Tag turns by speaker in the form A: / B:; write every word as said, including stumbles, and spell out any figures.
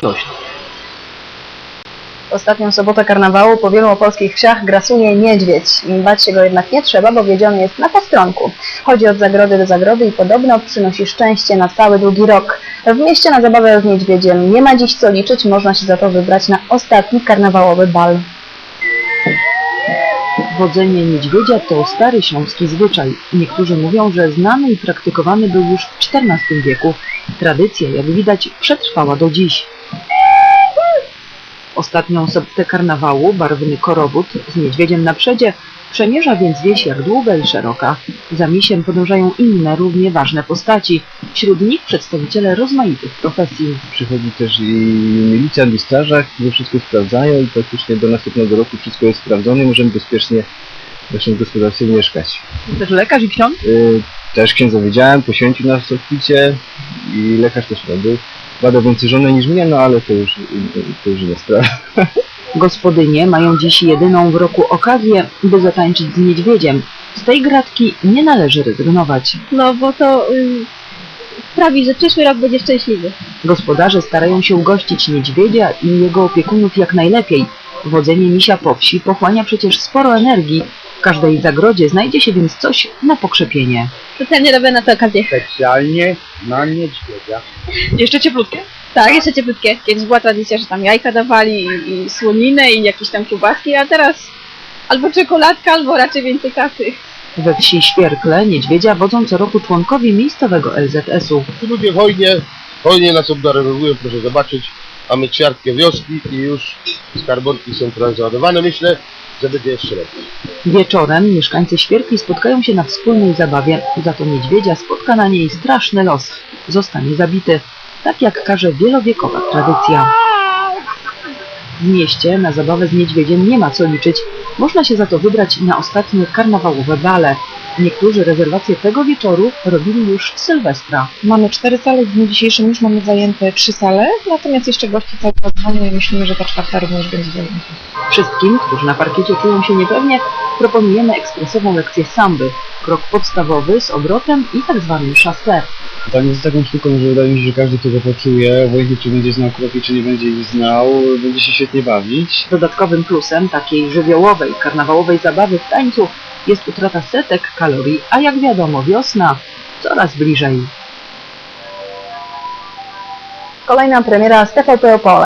A: W ostatnią sobotę karnawału po wielu opolskich wsiach grasuje niedźwiedź. Bać się go jednak nie trzeba, bo wiedziony jest na postronku. Chodzi od zagrody do zagrody i podobno przynosi szczęście na cały długi rok. W mieście na zabawę z niedźwiedziem nie ma dziś co liczyć, można się za to wybrać na ostatni karnawałowy bal.
B: Wodzenie niedźwiedzia to stary śląski zwyczaj. Niektórzy mówią, że znany i praktykowany był już w czternastym wieku. Tradycja, jak widać, przetrwała do dziś. Ostatnią sobotę karnawału barwny korowód z niedźwiedziem na przedzie przemierza więc wieś jak długa i szeroka. Za misiem podążają inne, równie ważne postaci. Wśród nich przedstawiciele rozmaitych profesji.
C: Przychodzi też i milicjant, i strażak, którzy wszystko sprawdzają i praktycznie do następnego roku wszystko jest sprawdzone i możemy bezpiecznie w naszym gospodarstwie mieszkać.
B: Też lekarz i ksiądz?
C: Yy, też księdza widziałem, poświęcił nas całkowicie i lekarz też tam był. Bada więcej żonę niż mnie, no ale to już, to już inna sprawa.
B: Gospodynie mają dziś jedyną w roku okazję, by zatańczyć z niedźwiedziem. Z tej gratki nie należy rezygnować.
D: No bo to y, sprawi, że przyszły rok będzie szczęśliwy.
B: Gospodarze starają się ugościć niedźwiedzia i jego opiekunów jak najlepiej. Wodzenie misia po wsi pochłania przecież sporo energii. W każdej zagrodzie znajdzie się więc coś na pokrzepienie.
D: Specjalnie robię na tę okazję.
C: Specjalnie na niedźwiedzia.
B: Jeszcze cieplutkie?
D: Tak, jeszcze cieplutkie. Kiedyś była tradycja, że tam jajka dawali i, i słoninę i jakieś tam kiełbaski, a teraz albo czekoladka, albo raczej więcej kasy.
B: We wsi Świerkle niedźwiedzia wodzą co roku członkowie miejscowego L Z S u.
E: Ci ludzie hojnie, hojnie nas obdarowują, proszę zobaczyć. Mamy ćwiartkę wioski i już skarbonki są trochę załadowane. Myślę, że będzie jeszcze lepiej.
B: Wieczorem mieszkańcy Świerkli spotkają się na wspólnej zabawie. Za to niedźwiedzia spotka na niej straszny los. Zostanie zabity. Tak jak każe wielowiekowa tradycja. W mieście na zabawę z niedźwiedziem nie ma co liczyć. Można się za to wybrać na ostatnie karnawałowe bale. Niektórzy rezerwacje tego wieczoru robili już w Sylwestra.
F: Mamy cztery sale, w dniu dzisiejszym już mamy zajęte trzy sale, natomiast jeszcze gości cały czas dzwonią i myślimy, że ta czwarta również będzie zajęta.
B: Wszystkim, którzy na parkiecie czują się niepewnie, proponujemy ekspresową lekcję samby. Krok podstawowy z obrotem i tak zwanym chassé.
C: Tam jest taką sztuką, że wydaje mi się, że każdy, kto go poczuje, obojętnie czy będzie znał kroki, czy nie będzie ich znał, będzie się świetnie bawić.
B: Dodatkowym plusem takiej żywiołowej, karnawałowej zabawy w tańcu jest utrata setek kalorii, a jak wiadomo wiosna coraz bliżej.
A: Kolejna premiera z T V P Opole.